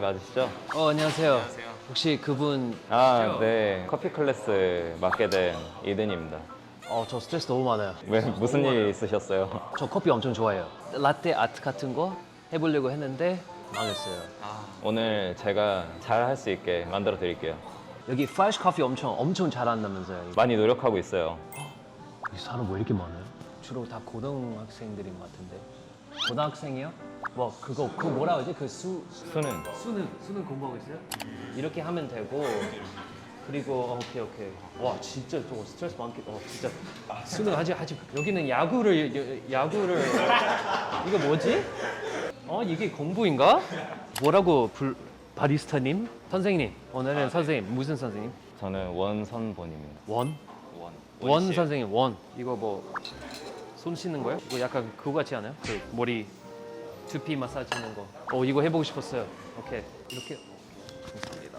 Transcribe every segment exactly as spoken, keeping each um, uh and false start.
맞으시죠? 어, 안녕하세요. 안녕하세요. 혹시 그분 아, 네. 커피 클래스 맡게 된 이든입니다. 어, 저 스트레스 너무 많아요. 왜 무슨 일 있으셨어요? 저 커피 엄청 좋아해요. 라떼 아트 같은 거 해보려고 했는데 망했어요. 아, 오늘 제가 잘 할 수 있게 만들어 드릴게요. 여기 프레쉬 커피 엄청 엄청 잘한다면서요. 많이 노력하고 있어요. 이 사람 왜 이렇게 많아요? 주로 다 고등학생들인 것 같은데. 고등학생이요? 뭐 그거 그거 뭐라 하지? 그 수 수능. 수능 수능 공부하고 있어요? 이렇게 하면 되고 그리고 어, 오케이 오케이. 와 진짜 저거 스트레스 많겠다. 어 진짜 수능 하지 하지. 여기는 야구를 야, 야구를 이거 뭐지? 어 이게 공부인가? 뭐라고 불 바리스타님? 선생님 오늘은 선생님 무슨 선생님? 저는 원선본입니다. 원? 원. 원 선생님 원. 이거 뭐 손 씻는 거요? 이거 약간 그거 같지 않아요? 그 머리 두피 마사지 하는 거. 어 이거 해보고 싶었어요. 오케이 이렇게. 감사합니다.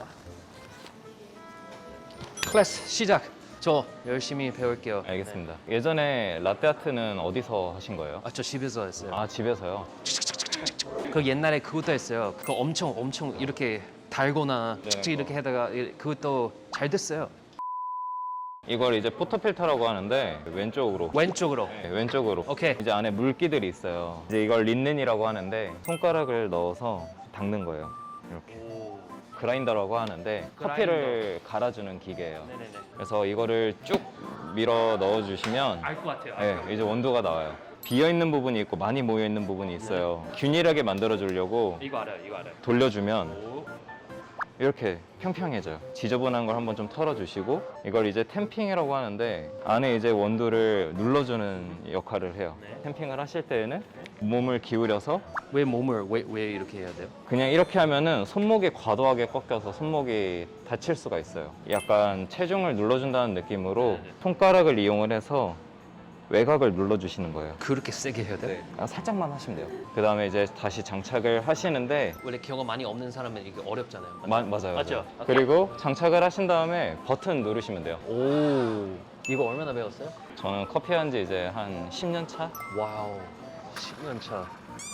클래스 시작. 저 열심히 배울게요. 알겠습니다. 예전에 라떼아트는 어디서 하신 거예요? 아 저 집에서 했어요. 아, 집에서요? 그 옛날에 그것도 했어요. 그거 엄청 엄청 이렇게 달거나 네, 칙칙 이렇게 하다가 이- 그것도 잘 됐어요. 이걸 이제 포토필터라고 하는데 왼쪽으로 왼쪽으로. 네, 왼쪽으로. 오케이. 이제 안에 물기들이 있어요. 이제 이걸 린넨이라고 하는데 손가락을 넣어서 닦는 거예요. 이렇게. 그라인더라고 하는데 커피를 갈아주는 기계예요. 네네네. 그래서 이거를 쭉 밀어 넣어주시면 알 것 같아요. 네, 이제 원두가 나와요. 비어 있는 부분이 있고 많이 모여 있는 부분이 있어요. 균일하게 만들어 주려고 이거 알아요. 이거 알아요. 돌려주면 오. 이렇게 평평해져요. 지저분한 걸 한번 좀 털어주시고 이걸 이제 템핑이라고 하는데 안에 이제 원두를 눌러주는 역할을 해요. 네. 템핑을 하실 때에는 몸을 기울여서 왜 몸을 왜, 왜 이렇게 해야 돼요? 그냥 이렇게 하면은 손목이 과도하게 꺾여서 손목이 다칠 수가 있어요. 약간 체중을 눌러준다는 느낌으로 네네. 손가락을 이용을 해서 외곽을 눌러주시는 거예요. 그렇게 세게 해야 돼요? 아, 살짝만 하시면 돼요. 그 다음에 이제 다시 장착을 하시는데 원래 경험 많이 없는 사람은 이게 어렵잖아요. 마- 맞아요. 맞죠? 맞아요. 그리고 장착을 하신 다음에 버튼 누르시면 돼요. 오. 이거 얼마나 배웠어요? 저는 커피 한 지 이제 한 십 년 차? 와우. 십 년 차.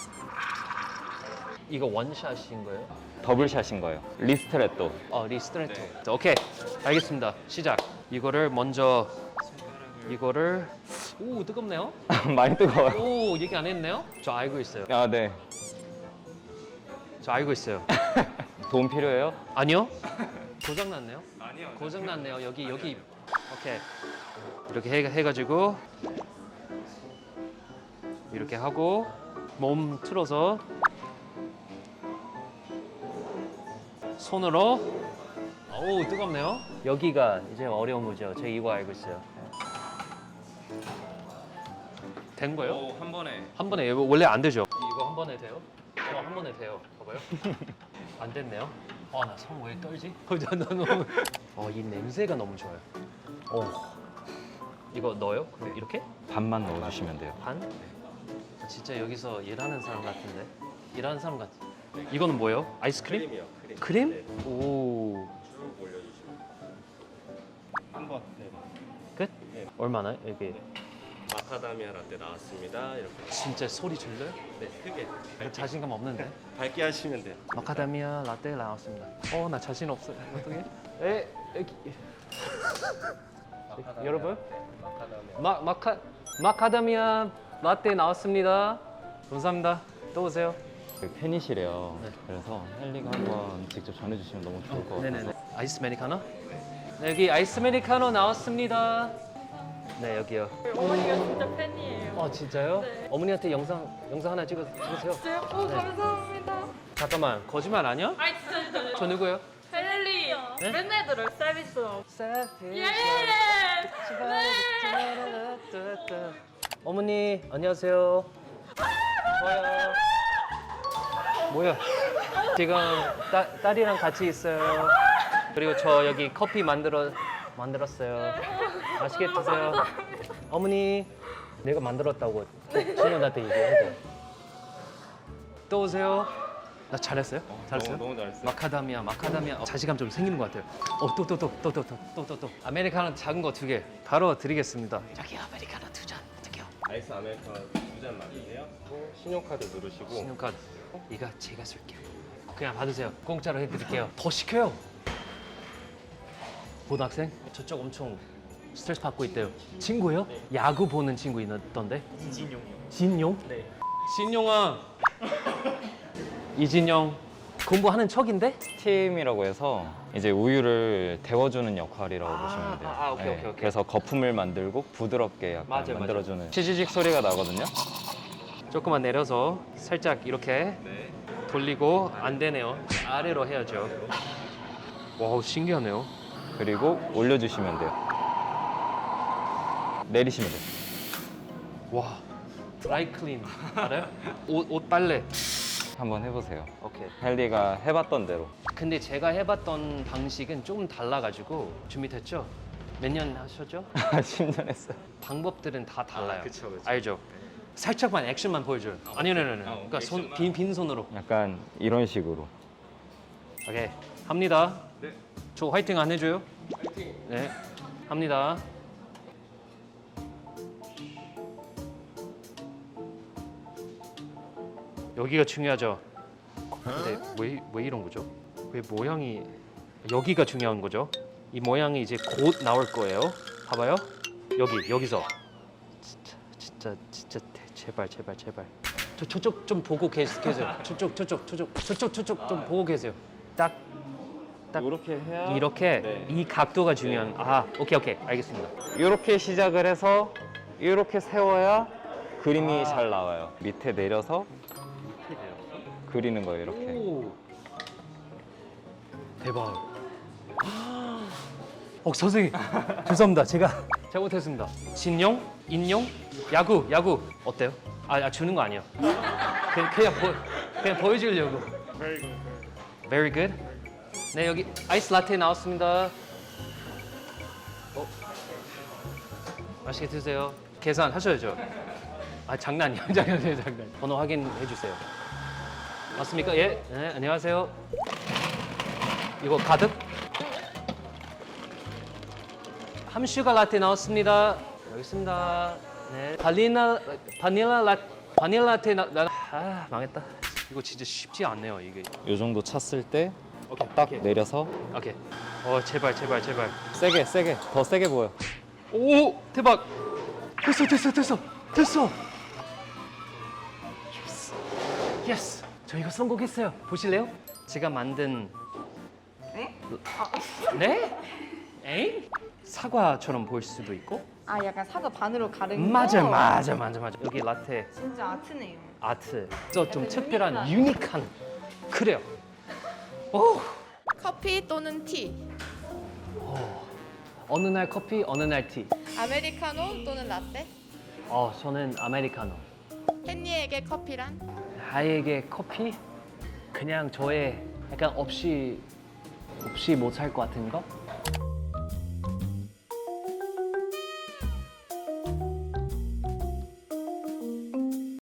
이거 원샷인 거예요? 더블샷인 거예요. 리스트레또. 어, 리스트레이터. 자, 오케이. 알겠습니다. 시작. 이거를 먼저 이거를 오, 뜨겁네요. 많이 뜨거워요. 오, 얘기 안 했네요. 저 알고 있어요. 아, 네. 저 알고 있어요. 도움 필요해요? 아니요? 고장 났네요. 아니요. 고장 났네요. 여기 여기. 오케이. 이렇게 해, 해가지고 이렇게 하고 몸 틀어서 손으로. 오 뜨겁네요. 여기가 이제 어려운 거죠. 제가 이거 알고 있어요. 된 거예요? 오, 한 번에. 한 번에 이거 원래 안 되죠? 이거 한 번에 돼요? 어, 한 번에 돼요. 봐봐요. 안 됐네요. 아, 나 손 왜 떨지? 나, 나 너무. 어, 이 냄새가 너무 좋아요. 오. 이거 넣어요? 그럼 이렇게? 반만 넣어주시면 돼요. 반? 아, 진짜 여기서 일하는 사람 같은데? 일하는 사람 같아. 이거는 뭐예요? 아이스크림? 크림이요. 크림. 크림? 네. 오. 쭉 올려주시면. 한번. 네. 끝? 네. 얼마나? 여기. 마카다미아 라떼 나왔습니다. 이렇게. 진짜 소리 질러요? 네, 크게. 나 자신감 없는데. 밝게 하시면 돼요. 마카다미아 라떼 나왔습니다. 어, 나 자신 없어요. 어떻게? 에, 여기. 여러분? 마카다미아. 마, 마카, 마카다미아 라떼 나왔습니다. 감사합니다. 또 오세요. 그 팬이시래요. 네. 그래서 헬리가 한번 직접 전해주시면 너무 좋을 것 같아서. 네네네. 아이스 아메리카노? 네, 여기 아이스 아메리카노 나왔습니다. 네, 여기요. 어머니가 진짜 팬이에요. 어, 진짜요? 네. 어머니한테 영상 영상 하나 찍어 찍으세요. 진짜요? 오, 네. 감사합니다. 잠깐만, 거짓말 아니야? 아이, 진짜, 진짜. 저 누구요? 헬리. 네? 맨날 들어요, 서비스. 예! 네! 어머니 안녕하세요. 좋아요. 뭐야? 지금 따, 딸이랑 같이 있어요. 그리고 저 여기 커피 만들어 만들었어요. 맛있게 드세요. 어머니 내가 만들었다고 친구한테 얘기해줘. 또 오세요. 나 잘했어요? 잘했어요? 너무, 너무 잘했어요. 마카다미아, 마카다미아. 어, 자신감 좀 생기는 것 같아요. 어, 또, 또, 또, 또, 또, 또, 또, 또, 또. 아메리카노 작은 거 두 개. 바로 드리겠습니다. 저기 아메리카노 두 잔. 어떡해요? 아이스 아메리카노 두 잔 맞으세요. 또 신용카드 누르시고. 신용카드. 이거 제가 쓸게요. 그냥 받으세요. 공짜로 해드릴게요. 더 시켜요. 고등학생? 저쪽 엄청 스트레스 받고 있대요. 친구요? 야구 보는 친구 있던데? 진용이요. 진용? 네. 진용아. 이진용 공부하는 척인데? 스팀이라고 해서 이제 우유를 데워주는 역할이라고 아, 보시면 돼요. 네, 아, 아, 오케이, 오케이, 오케이. 그래서 거품을 만들고 부드럽게 약간 맞아요, 맞아요. 만들어주는 치지직 소리가 나거든요. 조금만 내려서 살짝 이렇게 돌리고 안 되네요. 아래로 해야죠. 와우 신기하네요. 그리고 올려주시면 돼요. 내리시면 돼요. 와 드라이 클린 알아요? 옷, 옷 빨래. 한번 해보세요. 오케이. 헨리가 해봤던 대로. 근데 제가 해봤던 방식은 조금 달라가지고 준비됐죠? 몇 년 하셨죠? 십 년 했어요. 방법들은 다 달라요. 아, 그쵸, 그쵸. 알죠? 살짝만 액션만 보여줘요. 아니요, 아니요, 아니요. 그러니까 손, 빈, 빈 손으로. 약간 이런 식으로. 오케이, 합니다. 네. 저 화이팅 안 해줘요? 화이팅. 네, 합니다. 여기가 중요하죠. 근데 왜, 왜 이런 거죠? 왜 모양이 여기가 중요한 거죠? 이 모양이 이제 곧 나올 거예요. 봐봐요. 여기 여기서 진짜 진짜 진짜 대- 제발 제발 제발. 저 저쪽 좀 보고 계, 계세요. 저쪽 저쪽 저쪽 저쪽 저쪽 좀 보고 계세요. 딱 딱 이렇게 해야 이렇게 네. 이 각도가 중요한. 아 오케이 오케이 알겠습니다. 이렇게 시작을 해서 이렇게 세워야 그림이 아. 잘 나와요. 밑에 내려서 그리는 거예요. 이렇게. 오. 대박. 어 선생님 죄송합니다. 제가 잘못했습니다. 진용, 인용, 야구, 야구 어때요? 아, 아 주는 거 아니에요. 그냥 그냥, 보, 그냥 보여주려고. Very good. 네 여기 아이스 라떼 나왔습니다. 어? 맛있게 드세요. 계산 하셔야죠. 아 장난이야, 장난이에요, 장난. 번호 확인해 주세요. 맞습니까? 예. 네, 안녕하세요. 이거 가득? 함슈가 라떼 나왔습니다. 여기 있습니다. 네. 바닐라 바닐라 라 바닐라 라떼 나, 나 아, 망했다. 이거 진짜 쉽지 않네요, 이게. 이 정도 찼을 때 오케이. 딱 오케이. 내려서 오케이. 어, 제발 제발 제발. 세게 세게 더 세게 보여. 오, 대박. 됐어, 됐어, 됐어. 됐어. 예스. 예스. 저 이거 성공했어요. 보실래요? 제가 만든 네? 에잉? 사과처럼 보일 수도 있고. 아 약간 사과 반으로 가른 맞아, 거? 맞아, 맞아, 맞아. 여기 라떼 진짜 아트네요. 아트. 저 좀 약간 특별한 유니크한. 그래요. 오. 커피 또는 티, 어느 날 커피, 어느 날 티. 아메리카노 또는 라떼, 어, 저는 아메리카노. 헨리에게 커피란? 하이에게 커피? 그냥 저의 약간 없이 없이 못 살 것 같은 거?